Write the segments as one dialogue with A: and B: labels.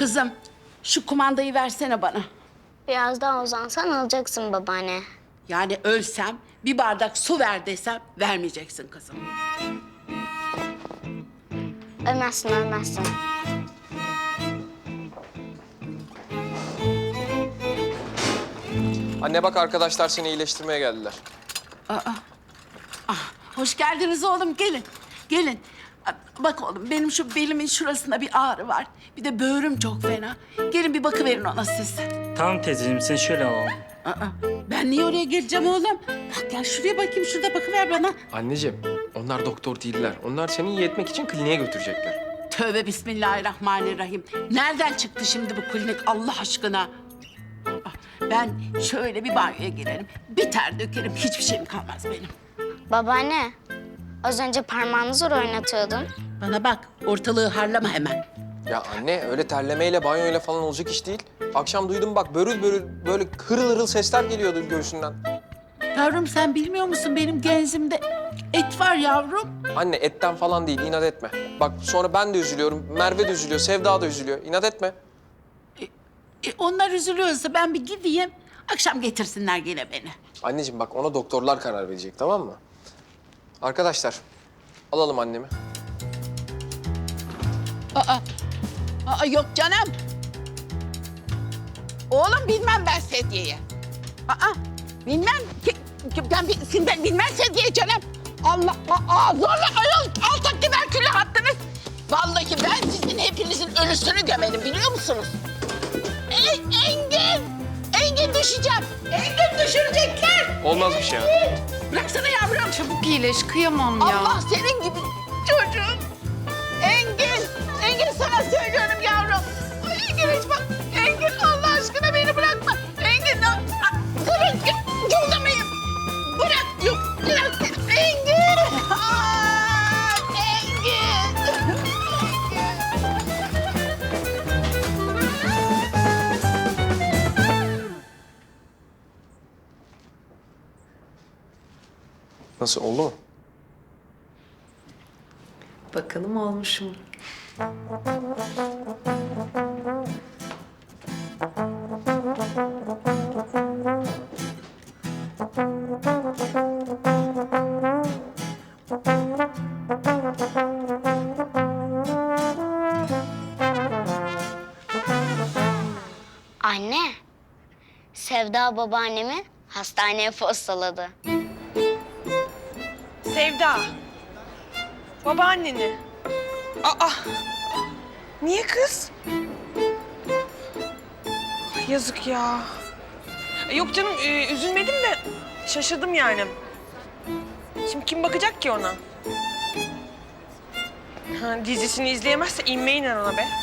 A: Kızım, şu kumandayı versene bana.
B: Biraz daha uzansan alacaksın babaanne.
A: Yani ölsem, bir bardak su ver desem vermeyeceksin kızım.
B: Ölmezsin, ölmezsin.
C: Anne bak arkadaşlar seni iyileştirmeye geldiler.
A: Hoş geldiniz oğlum, gelin. Gelin. Bak oğlum, benim şu belimin şurasında bir ağrı var. Bir de böğrüm çok fena. Gelin bir bakıverin ona siz.
D: Tamam teyzeciğim, seni şöyle alalım.
A: Ben niye oraya geleceğim oğlum? Bak gel şuraya bakayım, şurada bakıver bana.
C: Anneciğim onlar doktor değiller. Onlar seni iyi etmek için kliniğe götürecekler.
A: Tövbe bismillahirrahmanirrahim. Nereden çıktı şimdi bu klinik Allah aşkına? Ben şöyle bir banyoya girerim. Bir ter dökerim, hiçbir şeyim kalmaz benim.
B: Babaanne, az önce parmağını zor oynatıyordun.
A: Bana bak, ortalığı harlama hemen.
C: Ya anne öyle terlemeyle banyoyla falan olacak iş değil. Akşam duydum bak börül börül böyle hırıl hırıl sesler geliyordu göğsünden.
A: Yavrum sen bilmiyor musun benim genzimde et var yavrum.
C: Anne etten falan değil inat etme. Bak sonra ben de üzülüyorum, Merve de üzülüyor, Sevda da üzülüyor. İnat etme.
A: Onlar üzülüyorsa ben bir gideyim. Akşam getirsinler gene beni.
C: Anneciğim bak ona doktorlar karar verecek tamam mı? Arkadaşlar alalım annemi.
A: Aa, yok canım. Oğlum bilmem ben sedyeyi. Bilmem. Ben bilmem sedyeyi canım. Allah, zorla ayol altta tüberkülü hattınız. Vallahi ben sizin hepinizin ölüsünü gömerim biliyor musunuz? Engin düşeceğim. Engin düşürecekler.
C: Olmaz bir şey ya.
A: Bıraksana yavrum.
E: Çabuk iyileş, kıyamam ya.
A: Allah senin gibi çocuğum. Engin sana söylüyorum yavrum. Engin hiç bak. Engin Allah aşkına beni bırakma. Engin durun yollamayın. Bırak yok bırak. Engin. Engin.
C: Nasıl oldu mu?
E: Bakalım olmuş mu?
B: Anne, Sevda babaannemi hastaneye postaladı.
F: Sevda. Babaanneni. Aa. Niye kız? Ay, yazık ya. Yok canım üzülmedim de şaşırdım yani. Şimdi kim bakacak ki ona? Ha, dizisini izleyemezse inmeyin ona be.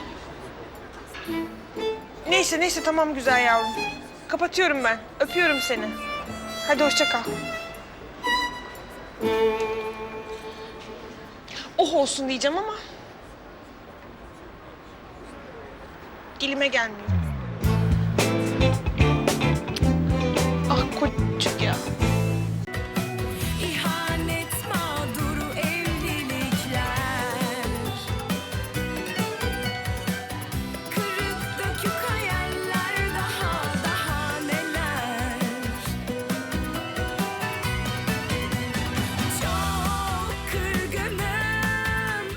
F: Neyse tamam güzel yavrum. Kapatıyorum ben. Öpüyorum seni. Hadi hoşça kal. Oh olsun diyeceğim ama dilime gelmiyor.